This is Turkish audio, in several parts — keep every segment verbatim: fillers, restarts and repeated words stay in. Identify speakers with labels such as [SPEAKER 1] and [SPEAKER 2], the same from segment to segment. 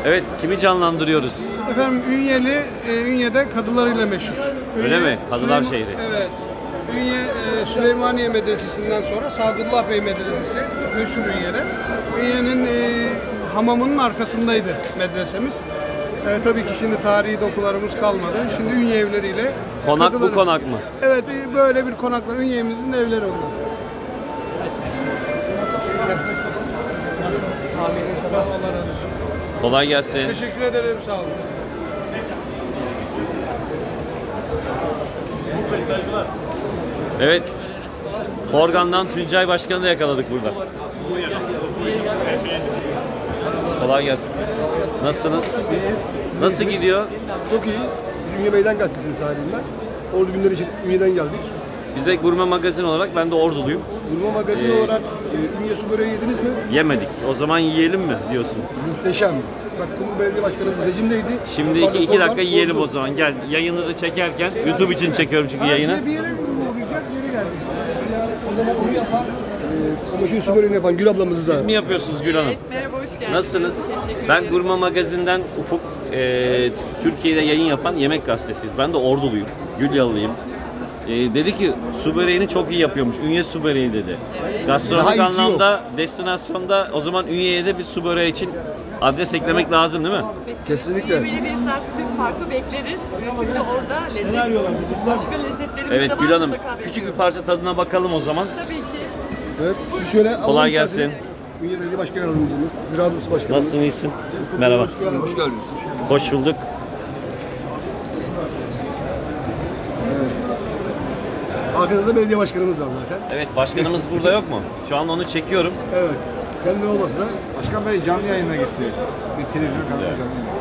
[SPEAKER 1] Evet, kimi canlandırıyoruz?
[SPEAKER 2] Efendim Ünyeli, e, Ünye'de kadılarıyla meşhur.
[SPEAKER 1] Öyle
[SPEAKER 2] Ünye,
[SPEAKER 1] mi? Kadılar
[SPEAKER 2] Süleyman-
[SPEAKER 1] şehri.
[SPEAKER 2] Evet. Ünye, e, Süleymaniye Medresesi'nden sonra Sadullah Bey Medresesi meşhur Ünye'de. Ünye'nin e, hamamının arkasındaydı medresemiz. E, tabii ki şimdi tarihi dokularımız kalmadı. Şimdi Ünye evleriyle...
[SPEAKER 1] Konak bu
[SPEAKER 2] kadıları-
[SPEAKER 1] konak mı?
[SPEAKER 2] Evet, e, böyle bir konaklar. Ünye'mizin evleri onlar. Sağ ol, Allah razı olsun.
[SPEAKER 1] Kolay gelsin.
[SPEAKER 2] Teşekkür ederim, sağ olun.
[SPEAKER 1] Evet, Korgan'dan Tuncay Başkan'ı da yakaladık burada. Kolay gelsin. Nasılsınız?
[SPEAKER 3] İyiyiz.
[SPEAKER 1] Nasıl gidiyor?
[SPEAKER 3] Çok iyi. Biz Ünye Meydan Gazetesi'nin sahibiyim ben. Ordu günleri için Ünye'den geldik.
[SPEAKER 1] Biz de Gurme Magazin olarak ben de Orduluyum.
[SPEAKER 3] Urma Magazin
[SPEAKER 1] Ee,
[SPEAKER 3] olarak e, Ünye su böreği yediniz mi?
[SPEAKER 1] Yemedik. O zaman yiyelim mi diyorsun?
[SPEAKER 3] Muhteşem. Bak Kumru Belediye Başkanımız rejimdeydi.
[SPEAKER 1] Şimdi iki, iki
[SPEAKER 3] Oradan
[SPEAKER 1] dakika yiyelim
[SPEAKER 3] bozdu.
[SPEAKER 1] o zaman. Gel, yayını da çekerken, YouTube için çekiyorum çünkü yayını.
[SPEAKER 2] Bir yere uğrayacak, geri geldik.
[SPEAKER 3] O zaman onu yapan, e, o meşhur su böreğini yapan Gül ablamızı da.
[SPEAKER 1] Siz mi yapıyorsunuz Gül Hanım?
[SPEAKER 4] Evet, merhaba, hoş geldiniz.
[SPEAKER 1] Nasılsınız?
[SPEAKER 4] Teşekkür
[SPEAKER 1] Ben
[SPEAKER 4] ederim.
[SPEAKER 1] Gurme Magazin'den Ufuk. Ee, Türkiye'de yayın yapan yemek gazetesiyiz. Ben de Orduluyum. Gülyalılıyım. Ee, dedi ki su böreğini çok iyi yapıyormuş. Ünye su böreği dedi. Gastronomik
[SPEAKER 3] Daha iyisi
[SPEAKER 1] anlamda, destinasyonda o zaman Ünye'ye de bir su böreği için adres eklemek lazım değil mi?
[SPEAKER 3] Kesinlikle.
[SPEAKER 4] Ünye Belediye Saati Türk Parkı bekleriz. Çünkü orada lezzet, başka lezzetlerimiz de
[SPEAKER 1] Evet
[SPEAKER 4] var,
[SPEAKER 1] Gül Hanım,
[SPEAKER 4] mutlaka
[SPEAKER 1] küçük bir
[SPEAKER 4] bekliyoruz.
[SPEAKER 1] parça tadına bakalım o zaman.
[SPEAKER 4] Tabii ki.
[SPEAKER 3] Evet. Şu şöyle alalım
[SPEAKER 1] Kolay
[SPEAKER 3] isterseniz.
[SPEAKER 1] gelsin.
[SPEAKER 3] Ünye Belediye Başkan Yardımcımız, Ziraat Odası Başkanımız.
[SPEAKER 1] Nasılsın, iyisin? Merhaba.
[SPEAKER 3] Hoş geldiniz.
[SPEAKER 1] Hoş bulduk.
[SPEAKER 3] Arkada da belediye başkanımız var zaten.
[SPEAKER 1] Evet, başkanımız burada yok mu? Şu an onu çekiyorum.
[SPEAKER 3] Evet. Kendi olmasa da
[SPEAKER 5] Başkan Bey canlı yayına gitti. Bir televizyon kanalında canlı yayına.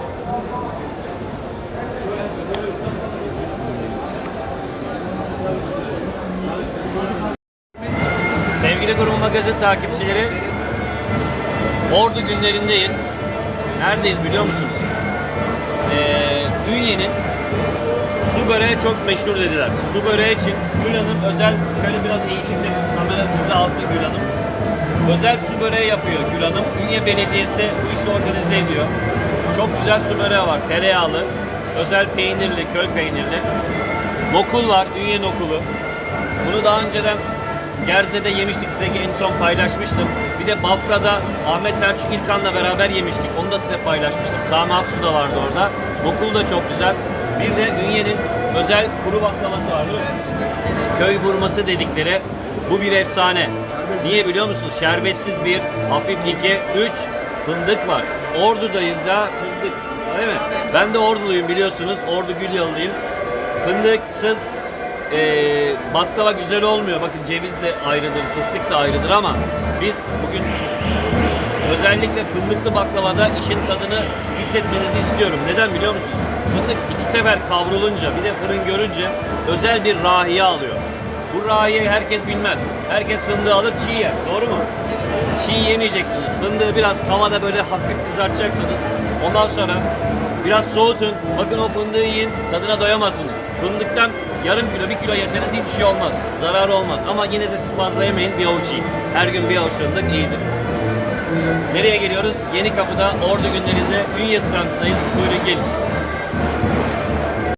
[SPEAKER 1] Sevgili Gurme Magazin takipçileri, Ordu günlerindeyiz. Neredeyiz biliyor musunuz? Ee, Ünye'nin su böreği çok meşhur dediler. Su böreği için Gül Hanım özel, şöyle biraz eğilirseniz kamera sizi alsın Gül Hanım. Özel su böreği yapıyor Gül Hanım. Ünye Belediyesi bu işi organize ediyor. Çok güzel su böreği var. Tereyağlı, özel peynirli, köy peynirli. Nokul var, Ünye nokulu. Bunu daha önceden Gerze'de yemiştik, size en son paylaşmıştım. Bir de Bafra'da Ahmet Selçuk İlkan'la beraber yemiştik. Onu da size paylaşmıştım. Sami Aksu da vardı orada. Nokul da çok güzel. Bir de Ünye'nin özel kuru baklavası var değil mi? Köy burması dedikleri. Bu bir efsane. Niye biliyor musunuz? Şerbetsiz bir, hafif iki, üç fındık var. Ordu'dayız ya, fındık. Değil mi? Ben de Orduluyum biliyorsunuz. Ordu Gülyalılıyım. Fındıksız Ee, baklava güzel olmuyor. Bakın ceviz de ayrıdır, fıstık da ayrıdır ama biz bugün özellikle fındıklı baklavada işin tadını hissetmenizi istiyorum. Neden biliyor musunuz? Fındık iki sefer kavrulunca, bir de fırın görünce özel bir rahiye alıyor. Bu rahiyeyi herkes bilmez. Herkes fındığı alır, çiğ yer. Doğru mu? Çiğ yemeyeceksiniz. Fındığı biraz tavada böyle hafif kızartacaksınız. Ondan sonra biraz soğutun. Bakın o fındığı yiyin, tadına doyamazsınız. Fındıktan yarım kilo, bir kilo yeseniz hiçbir şey olmaz. Zararı olmaz. Ama yine de siz fazla yemeyin, bir avuç yiyin. Her gün bir avuç fındık iyidir. Nereye geliyoruz? Yeni Kapı'da Ordu günlerinde Ünye standındayız. Buyurun gelin.